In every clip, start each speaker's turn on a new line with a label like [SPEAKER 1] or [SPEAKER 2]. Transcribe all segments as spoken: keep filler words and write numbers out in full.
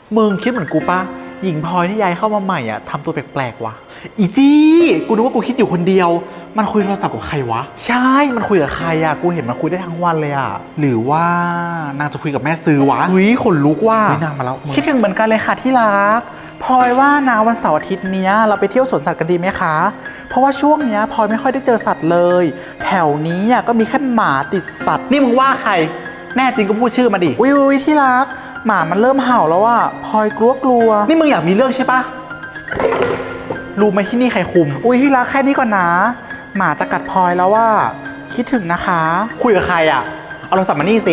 [SPEAKER 1] มึงคิดเหมือนกูปะหญิงพลอยที่ย้ายเข้ามาใหม่อ่ะทำตัวแปลกๆวะอีจี้กูนึกว่ากูคิดอยู่คนเดียวมันคุยโทรศัพท์กับใครวะใช่มันคุยกับใครอ่ะกูเห็นมันคุยได้ทั้งวันเลยอ่ะหรือว่านางจะคุยกับแม่ซื้อวะเฮ้ยขนลุกว่ะนางมาแล้วคิดถึงเหมือนกันเลยค่ะที่รักพลอยว่านะวันเสาร์อาทิตย์เนี้ยเราไปเที่ยวสวนสัตว์กันดีไหมคะเพราะว่าช่วงเนี้ยพลอยไม่ค่อยได้เจอสัตว์เลยแถวนี้อ่ะก็มีแค่หมาติดสัตว์นี่มึงว่าใครแน่จริงก็พูดชื่อมาดิอุ้ยอุ้ยที่รักหมามันเริ่มเห่าแล้วอ่ะพลอยกลัวกลัวนี่มึงอยากมีเรื่องใช่ปะรู้ไหมที่นี่ใครคุมอุ้ยที่รักแค่นี้ก่อนนะหมาจะกัดพลอยแล้วว่าคิดถึงนะคะคุยกับใครอ่ะเอาโทรศัพท์มานี่สิ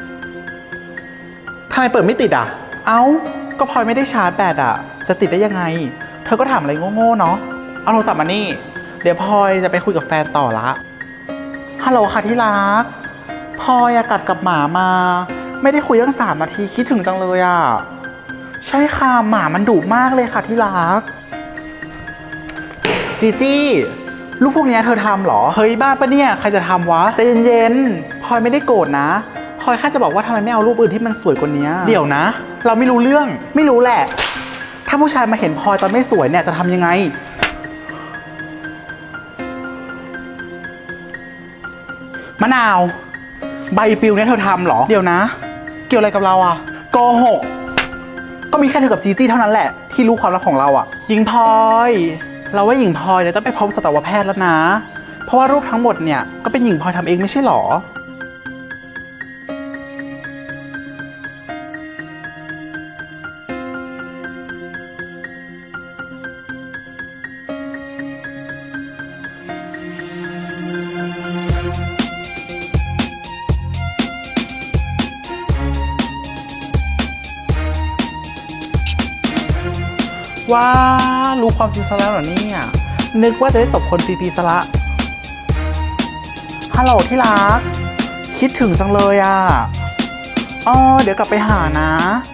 [SPEAKER 1] ทำไมเปิดไม่ติดอ่ะเอ้าก็พลอยไม่ได้ชาร์จแบตอ่ะจะติดได้ยังไงเธอก็ถามอะไรโง่ๆเนาะเอาโทรศัพท์มานี่เดี๋ยวพลอยจะไปคุยกับแฟนต่อละฮัลโหลค่ะที่รักพลอยกัดกับหมามาไม่ได้คุยตั้งสามนาทีคิดถึงจังเลยอ่ะใช่ค่ะหมามันดุมากเลยค่ะที่รักจีจี้ลูกพวกนี้เธอทำหรอเฮ้ยบ้าปะเนี่ยใครจะทำวะใจเย็นๆพลอยไม่ได้โกรธนะพลอยแค่จะบอกว่าทำไมไม่เอารูปอื่นที่มันสวยกว่านี้เดี๋ยวนะเราไม่รู้เรื่องไม่รู้แหละถ้าผู้ชายมาเห็นพลอยตอนไม่สวยเนี่ยจะทำยังไงมะนาวใบปลิวเนี่ยเธอทำหรอเดี๋ยวนะเกี่ยวอะไรกับเราอะโกหกก็มีแค่เธอกับจีจี้เท่านั้นแหละที่รู้ความลับของเราอะหญิงพลอยเราว่าหญิงพลอยเนี่ยต้องไปพบสัตวแพทย์แล้วนะเพราะว่ารูปทั้งหมดเนี่ยก็เป็นหญิงพลอยทำเองไม่ใช่หรอว้ารู้ความจริงซะแล้วเหรอเนี่ยนึกว่าจะได้ตบคนฟรีๆซะละฮัลโหลที่รักคิดถึงจังเลยอ่ะอ๋อเดี๋ยวกลับไปหานะ